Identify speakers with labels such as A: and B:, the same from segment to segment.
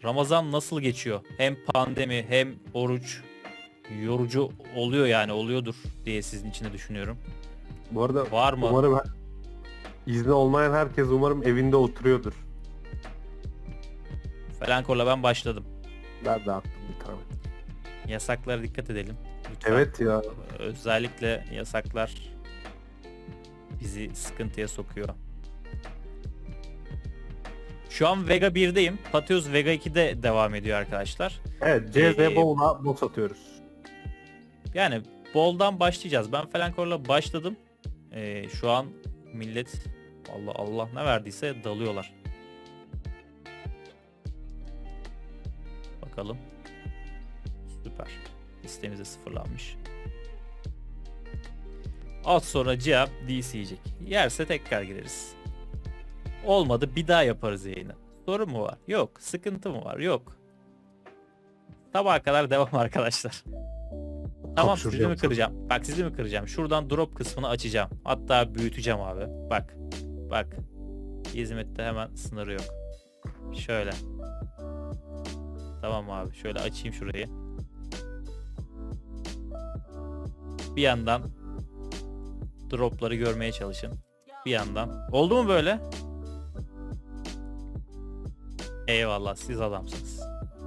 A: Ramazan nasıl geçiyor? Hem pandemi hem oruç yorucu oluyor yani oluyordur diye sizin için de düşünüyorum.
B: Bu arada
A: Var mı?
B: umarım izni olmayan herkes umarım evinde oturuyordur.
A: Felankor'la ben başladım.
B: Ben de attım bir tane.
A: Yasaklara dikkat edelim. Lütfen.
B: Evet ya.
A: Özellikle yasaklar bizi sıkıntıya sokuyor. Şu an Vega 1'deyim. Pateos Vega 2'de devam ediyor arkadaşlar.
B: Evet, CZ Bowl'a boss atıyoruz.
A: Yani Ball'dan başlayacağız. Ben Felankor'la başladım. Şu an millet Allah Allah ne verdiyse dalıyorlar. Bakalım. Süper. Listemiz de sıfırlanmış. Az sonra cevap DC yiyecek. Yerse tekrar gireriz. Olmadı bir daha yaparız yayını. Sorun mu var? Yok. Sıkıntı mı var? Yok. Sabaha kadar devam arkadaşlar. Tamam, sizi mi kıracağım? Bak sizi mi kıracağım? Şuradan drop kısmını açacağım. Hatta büyüteceğim abi. Bak. Bak. Hizmette hemen sınırı yok. Şöyle. Tamam abi. Şöyle açayım şurayı. Bir yandan dropları görmeye çalışın. Bir yandan. Oldu mu böyle? Eyvallah, siz adamsınız.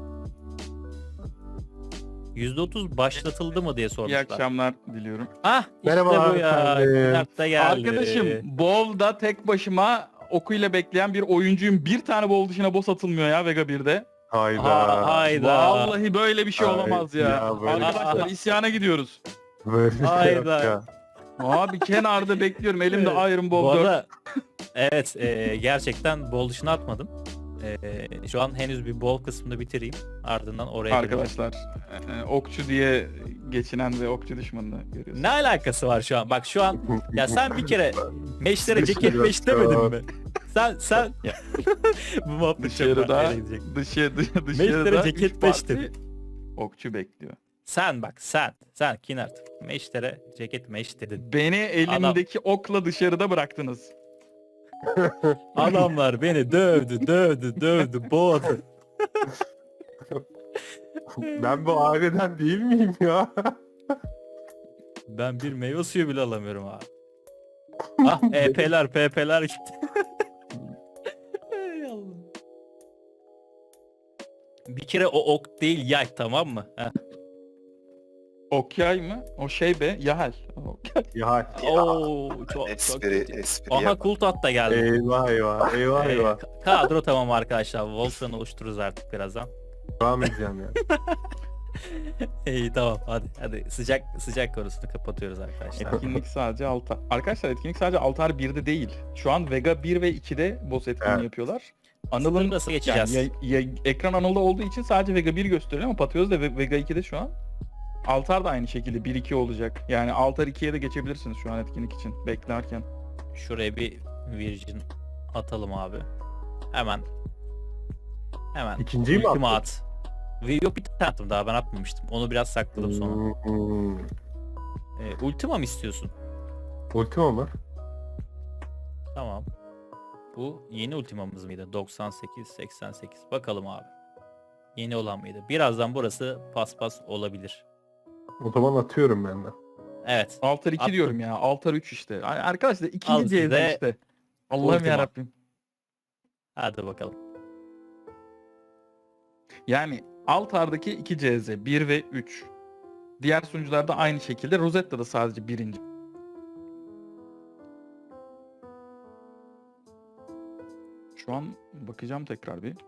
A: %30 başlatıldı mı diye
C: İyi
A: sormuşlar.
C: akşamlar diliyorum.
A: Ah işte
B: Merhaba
A: bu ya.
B: efendim.
A: Kinart da geldi.
C: Arkadaşım Bowl'da tek başıma okuyla bekleyen bir oyuncuyum. Bir tane Bowl dışına boss atılmıyor ya Vega 1'de.
B: Hayda.
A: Hayda.
C: Vallahi böyle bir şey
B: Ay,
C: olamaz ya.
B: ya böyle
C: Arkadaşlar
A: şey-
C: isyana gidiyoruz.
B: Böyle bir şey yok
A: Hayda.
B: ya.
C: Abi kenarda bekliyorum. Elimde Iron
A: Bu
C: Bowl 4.
A: arada evet gerçekten bol dışına atmadım. Şu an henüz bir bol kısmını bitireyim. Ardından oraya gireceğim.
C: Arkadaşlar okçu diye geçinen ve okçu düşmanını görüyorsunuz.
A: Ne alakası var şu an? Bak şu an ya sen bir kere meşlere
B: Bir
A: ceket
B: şey
A: meş
B: yok.
A: demedin mi? Sen bu muhabbet çok
C: Dışarıda
A: nereye gidecek?
C: dışarıda
A: Meşlere ceket
C: üç
A: beş
C: parti okçu bekliyor.
A: Sen bak sen Kinart. Meşlere ceket meş dedin.
C: Beni elimdeki okla dışarıda bıraktınız.
A: Adamlar beni dövdü, boğdu.
B: Ben bu aileden değil miyim ya?
A: Ben bir meyve suyu bile alamıyorum abi. Ah EP'ler PP'ler gitti. Ey Allah. Bir kere o ok değil yay, tamam mı? Heh.
C: Okyay mı? O şey be, Yahel.
B: Ya
A: Oo, çok
D: Espri
A: kötü.
D: espri
A: Aha
D: yap.
A: Kultat da geldi.
B: eyvah eyvah eyvah eyvah.
A: Kadro tamam arkadaşlar. Voltran'ı oluştururuz artık birazdan.
B: Devam edeceğim ya.
A: İyi tamam hadi sıcak konusunu kapatıyoruz arkadaşlar.
C: Etkinlik sadece altar. Arkadaşlar etkinlik sadece altar 1'de değil. Şu an Vega 1 ve 2'de boss etkinliği
B: Evet.
C: yapıyorlar.
A: Anıl'ın
C: Anıl'ın
A: nasıl geçeceğiz?
C: yani ekran Anıl'da olduğu için sadece Vega 1 gösteriyor ama Pateos da Vega 2'de şu an. Altar da aynı şekilde 1-2 olacak. Yani altar 2'ye de geçebilirsiniz şu an etkinlik için beklerken.
A: Şuraya bir Virgin atalım abi. Hemen.
B: İkinciyi mi
A: Ultima
B: attın?
A: at. Yok bir tane attım daha, ben atmamıştım. Onu biraz sakladım sonra. Ultima mı istiyorsun?
B: Ultima mı?
A: Tamam. Bu yeni ultimamız mıydı? 98, 88. Bakalım abi. Yeni olan mıydı? Birazdan burası paspas olabilir.
B: O zaman atıyorum ben de.
A: Evet.
C: Altar 2
A: Attım.
C: diyorum ya. Altar 3 işte. Arkadaşlar
A: Al
C: ikinci
A: size
C: C'de işte. Allah'ım
A: Ultima.
C: yarabbim.
A: Hadi bakalım.
C: Yani Altar'daki 2 CZ 1 ve 3. Diğer sunucularda aynı şekilde. Rosetta'da sadece birinci. Şu an bakacağım tekrar bir.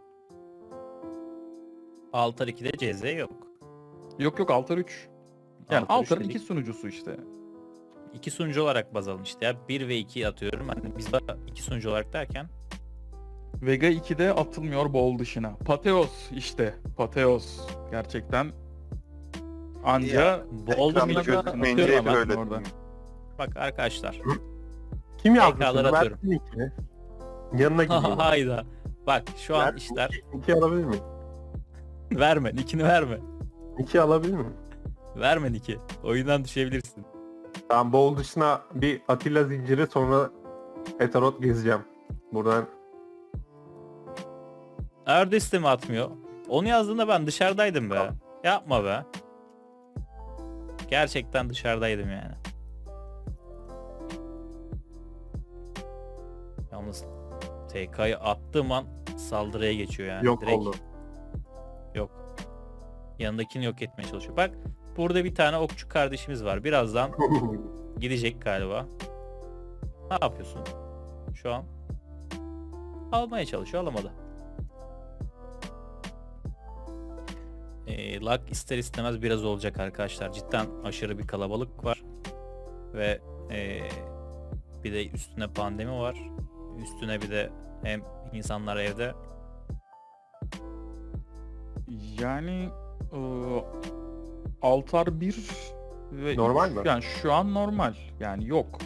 A: Altar 2'de CZ yok.
C: Yok Altar 3. Yani
A: Altar
C: Altar'ın
A: 3
C: iki sunucusu işte.
A: İki sunucu olarak baz alın işte ya. 1 ve 2 atıyorum. Hani biz de iki sunucu olarak derken.
C: Vega 2'de atılmıyor Bowl dışına. Pateos işte. Pateos. Gerçekten anca
D: Ya,
A: Bol
D: Ekranda
A: dışına da
D: gözükmeyince
A: atıyorum
D: hep
A: ama.
D: öyle.
C: orada.
A: Bak arkadaşlar.
B: Kim yazdı
A: PK'ları
B: şunu?
A: atıyorum.
B: Versin ikini. Yanına gideyim.
A: Hayda. Bak şu an
B: Ver,
A: işler.
B: İki alabilir miyim?
A: Verme. Nickini verme.
B: İki alabilir miyim?
A: Verme Nick'i. Oyundan düşebilirsin.
B: Ben Bowl dışına bir Atilla zinciri, sonra Etarot gezeceğim. Buradan
A: Erdeste mi atmıyor? Onu yazdığında ben dışarıdaydım be. Yapma be. Gerçekten dışarıdaydım yani. Yalnız TK'yı attığım an saldırıya geçiyor yani.
B: Yok
A: Direkt
B: oldu.
A: yok. Yanındakini yok etmeye çalışıyor. Bak burada bir tane okçu kardeşimiz var. Birazdan gidecek galiba. Ne yapıyorsun? Şu an almaya çalışıyor, alamadı. Lag ister istemez biraz olacak arkadaşlar. Cidden aşırı bir kalabalık var. Ve bir de üstüne pandemi var. Üstüne bir de hem insanlar evde.
C: Yani altar 1 ve
B: Normal
C: 3,
B: mi?
C: yani şu an normal. Yani yok.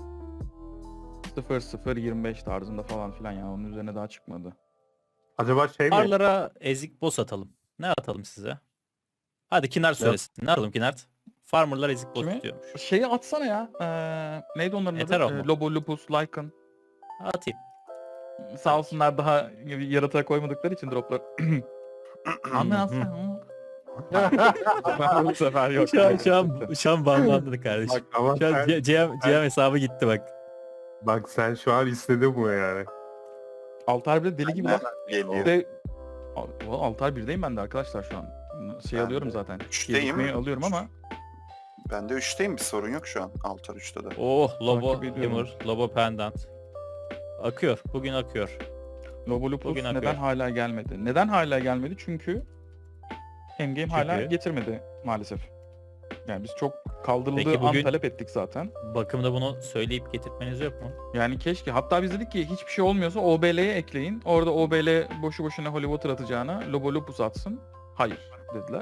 C: 0-0-25 tarzında falan filan, yani onun üzerine daha çıkmadı.
B: Acaba şey mi?
A: Farlara ezik boss atalım. Ne atalım size? Hadi Kinart söylesin. Ne atalım Kinart? Farmerlar ezik boss
C: Kimi?
A: istiyormuş.
C: Şeyi atsana ya. Neydi onların adı?
A: Ethereum mu?
C: Lobo, Lupus, Lycan.
A: Atayım.
C: Sağ olsunlar, daha yaratığa koymadıkları için droplar. Anlatsana. Bu sefer yok.
A: Şu an banlandı kardeşim.
B: Bak ama
A: Şu an
B: sen,
A: GM hesabı gitti bak.
B: bak sen şu an istedin bunu yani.
C: Altar 1'de deli gibi var.
D: Geliyor.
C: Ve Altar 1'deyim ben de arkadaşlar şu an. Şey
D: Ben
C: alıyorum
D: de
C: zaten.
D: üçteyim.
C: Gecikmeyi alıyorum ama
D: Ben de 3'teyim, bir sorun yok şu an. Altar 3'te de.
A: Oh Lobo
C: Takip ediyorum.
A: Hammer, Lobo Pendant. Akıyor. Bugün akıyor.
C: Lobo Lupus
A: Bugün akıyor.
C: neden hala gelmedi? Neden hala gelmedi? Çünkü Endgame hala
A: Çünkü?
C: getirmedi maalesef. Yani biz çok kaldırıldığı
A: Peki
C: an
A: bugün-
C: talep ettik zaten.
A: Bakımda bunu söyleyip getirtmeniz yok mu?
C: Yani keşke. Hatta biz dedik ki hiçbir şey olmuyorsa OBL'ye ekleyin. Orada OBL boşu boşuna Holy Water atacağına Lobo Lupus atsın. Hayır dediler.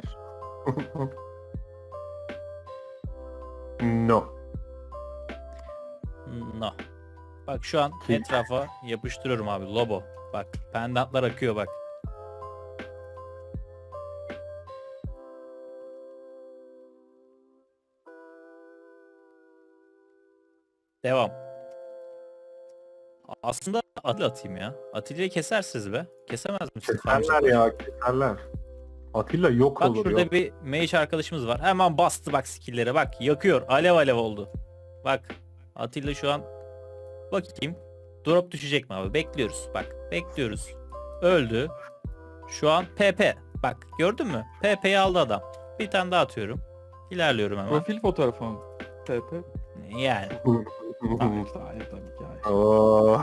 B: No.
A: No. Bak şu an etrafa yapıştırıyorum abi. Lobo. Bak pendantlar akıyor bak. Devam. Aslında Atilla atayım ya. Atilla'yı kesersiniz be. Kesemez misiniz?
B: Keserler ya, keserler. Atilla yok
A: Bak
B: olur
A: şurada
B: yok.
A: bir mage arkadaşımız var. Hemen bastı bak skill'lere bak. Yakıyor. Alev alev oldu. Bak. Atilla şu an bakayım. Drop düşecek mi abi? Bekliyoruz. Bak. Bekliyoruz. Öldü. Şu an PP. Bak gördün mü? PP'yi aldı adam. Bir tane daha atıyorum. İlerliyorum hemen.
C: Profil fotoğrafı mı? TP.
A: Yani.
C: Hayır, hayır tabii ki hayır.
B: Oo.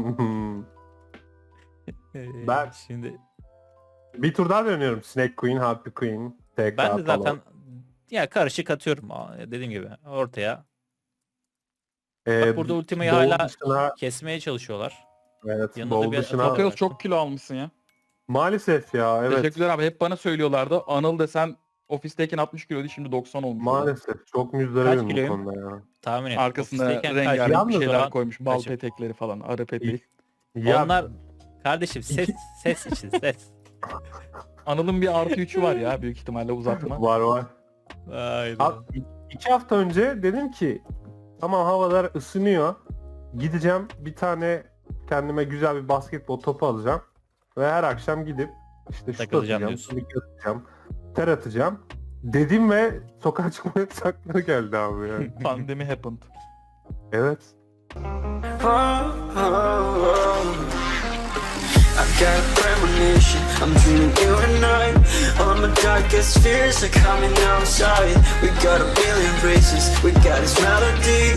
B: Ben-
A: Şimdi
B: Bir tur daha dönüyorum. Snake Queen, Happy Queen. TK
A: ben de
B: falan.
A: zaten ya karışık atıyorum. Dediğim gibi ortaya. Bak burada ultimayı
B: bowl
A: hala
B: dışına,
A: kesmeye çalışıyorlar.
B: evet,
A: yanında
B: bowl
A: bir
B: dışına.
A: atak-
C: Patrios çok kilo almışsın ya.
B: Maalesef ya, evet.
C: Teşekkürler abi. Hep bana söylüyorlardı. Anıl desen ofisteyken 60 kiloydu, şimdi 90 olmuş.
B: Maalesef çok
A: Kaç
B: müzdaribim bu
A: kiloyum?
B: konuda ya.
A: Tahmin et.
C: Arkasında
A: Ofisteyken
C: rengarenk bir
B: Yalnız
C: şeyler
A: zaman
C: koymuş. Bal
A: kaçım?
C: petekleri falan. Arı peteği.
B: Ya
A: Onlar kardeşim ses için ses.
C: Anıl'ın bir artı 3'ü var ya, büyük ihtimalle uzatma.
B: var var.
A: Hayda.
B: Abi, 2 hafta önce dedim ki tamam, havalar ısınıyor. Gideceğim bir tane kendime güzel bir basketbol topu alacağım. Ve her akşam gidip işte şut
A: Takılacağım
B: atacağım,
A: diyorsun.
B: sneak atacağım, ter atacağım. Dedim ve sokağa çıkma yasakları geldi abi yani.
C: Pandemi happened.
B: Evet.
E: I got a premonition, I'm dreaming you and I. All my darkest fears are coming outside. We got a billion races, we got this melody.